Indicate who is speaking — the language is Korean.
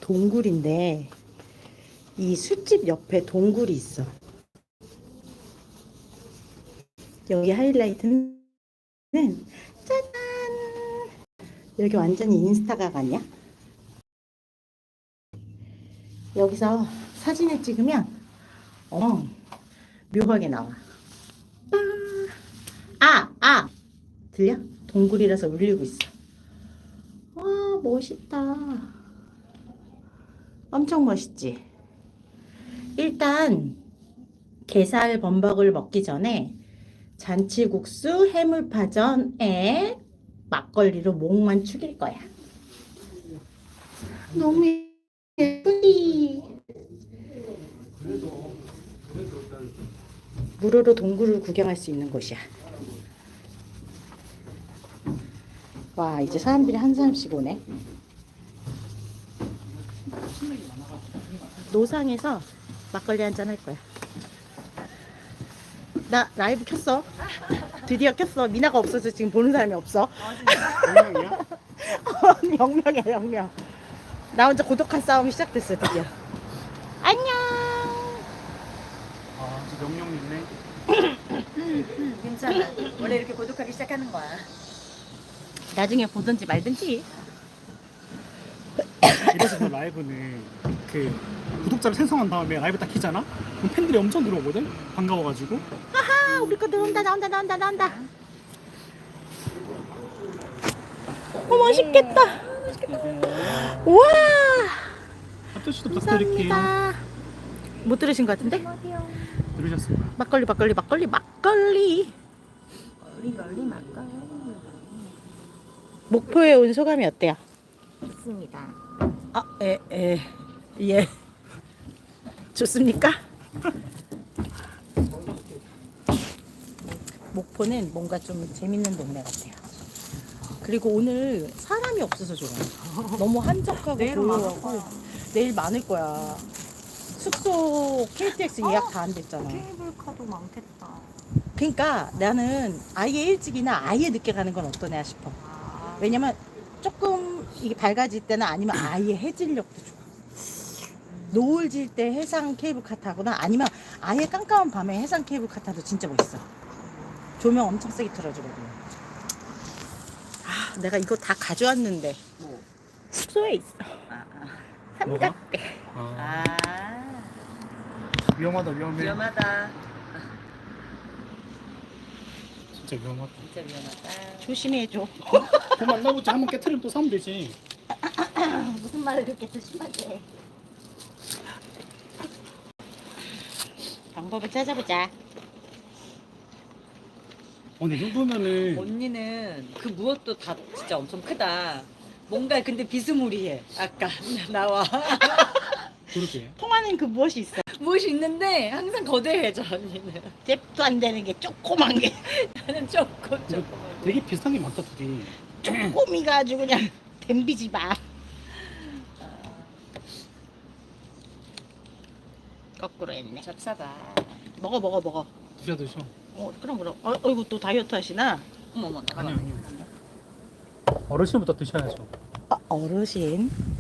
Speaker 1: 동굴인데 이 술집 옆에 동굴이 있어. 여기 하이라이트는 짜잔! 여기 완전히 인스타각 아니야? 여기서 사진을 찍으면 묘하게 나와. 들려? 동굴이라서 울리고 있어. 와, 멋있다. 엄청 멋있지? 일단 게살 범벅을 먹기 전에 잔치국수 해물파전에 막걸리로 목만 축일 거야. 너무 예쁘지? 무료로 동굴을 구경할 수 있는 곳이야. 와, 이제 사람들이 한 사람씩 오네. 노상에서 막걸리 한잔 할 거야. 나 라이브 켰어. 드디어 켰어. 미나가 없어서 지금 보는 사람이 없어.
Speaker 2: 영명이야?
Speaker 1: 0명이야, 0명. 나 혼자 고독한 싸움이 시작됐어, 드디어. 안녕.
Speaker 2: 아, 저 명령 있네.
Speaker 3: 괜찮아. 원래 이렇게 고독하기 시작하는 거야.
Speaker 1: 나중에 보든지 말든지.
Speaker 2: 이래서 그 라이브는 그 구독자를 생성한 다음에 라이브 딱 키잖아? 그럼 팬들이 엄청 들어오거든? 반가워가지고.
Speaker 1: 아, 우리 거 나온다. 맛있겠다. 우와.
Speaker 2: 합조씨도 부탁드릴게요.
Speaker 1: 감사합니다. 못 들으신 것 같은데?
Speaker 2: 들으셨을 거야.
Speaker 1: 막걸리.
Speaker 3: 걸리 막걸리.
Speaker 1: 목포에 온 소감이 어때요?
Speaker 3: 좋습니다.
Speaker 1: 예. 좋습니까? 목포는 뭔가 좀 재밌는 동네 같아요. 그리고 오늘 사람이 없어서 좋아요. 너무 한적하고
Speaker 3: 내일은 많을
Speaker 1: 조용하고.
Speaker 3: 거야.
Speaker 1: 내일 많을 거야. 숙소 KTX 예약 다 안 됐잖아.
Speaker 3: 케이블카도 많겠다.
Speaker 1: 그러니까 나는 아예 일찍이나 아예 늦게 가는 건 어떠냐 싶어.
Speaker 3: 아,
Speaker 1: 왜냐면 조금 이게 밝아질 때나 아니면 아예 해질녘도 좋아. 노을 질 때 해상 케이블카 타거나 아니면 아예 깜깜한 밤에 해상 케이블카 타도 진짜 멋있어. 조명 엄청 세게 틀어주거든. 아, 내가 이거 다 가져왔는데
Speaker 3: 뭐?
Speaker 1: 숙소에 있어. 삼각대.
Speaker 2: 아,
Speaker 3: 아,
Speaker 2: 위험하다, 위험해.
Speaker 3: 위험하다.
Speaker 2: 진짜 위험하다.
Speaker 3: 진짜 위험하다.
Speaker 1: 조심해줘.
Speaker 2: 더 만나보자. 한번 깨트리면 또 사면 되지.
Speaker 1: 무슨 말을 그렇게 조심하게. 방법을 찾아보자.
Speaker 2: 이 정도면은
Speaker 3: 언니는 그 무엇도 다 진짜 엄청 크다. 뭔가 근데 비스무리해. 아까 나와.
Speaker 2: 그러게.
Speaker 1: 통하는 그 무엇이 있어.
Speaker 3: 무엇이 있는데 항상 거대해져 언니는.
Speaker 1: 잽도 안 되는 게 조그만 게.
Speaker 3: 나는 조금
Speaker 2: 근데 되게 비슷한 게 많다, 둘이.
Speaker 1: 꼬미가 아주 그냥 댐비지 마. 거꾸로 했네.
Speaker 3: 잡사봐.
Speaker 1: 먹어.
Speaker 2: 드셔.
Speaker 1: 그럼. 어이구, 또 다이어트 하시나?
Speaker 3: 어머머.
Speaker 2: 아니요. 어르신부터 드셔야죠.
Speaker 1: 어르신.